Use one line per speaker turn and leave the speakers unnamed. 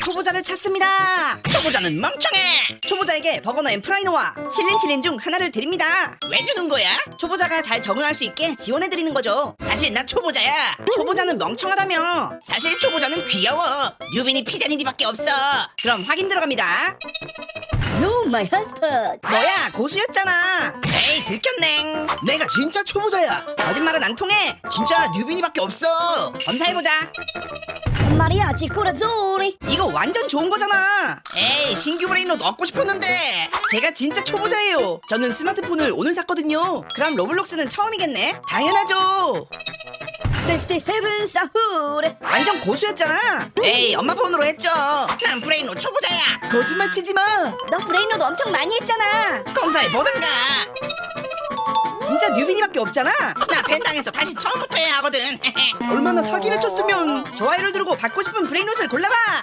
초보자를 찾습니다.
초보자는 멍청해.
초보자에게 버거너 앤 프라이노와 칠린 중 하나를 드립니다.
왜 주는 거야?
초보자가 잘 적응할 수 있게 지원해드리는 거죠.
사실 나 초보자야.
초보자는 멍청하다며.
사실 초보자는 귀여워. 뉴빈이 피자니디밖에 없어.
그럼 확인 들어갑니다.
No, my husband.
뭐야, 고수였잖아.
에이 들켰냉. 내가 진짜 초보자야.
거짓말은 안 통해.
진짜 뉴빈이밖에 없어.
검사해보자.
Mariachi corazzoni.
이거 완전 좋은 거잖아.
에이 신규 브레인롯 얻고 싶었는데.
제가 진짜 초보자예요. 저는 스마트폰을 오늘 샀거든요. 그럼 로블록스는 처음이겠네. 당연하죠.
67 사후레.
완전 고수였잖아.
에이 엄마 폰으로 했죠. 난 브레인롯 초보자야.
거짓말 치지 마.
너 브레인로드 엄청 많이 했잖아.
검사해 보든가.
진짜 뉴빈이밖에 없잖아.
나 벤당에서 다시 처음부터 해야 하거든.
얼마나 사기를 쳤으면. 좋아요를 누르고 받고 싶은 브레인롯을 골라봐.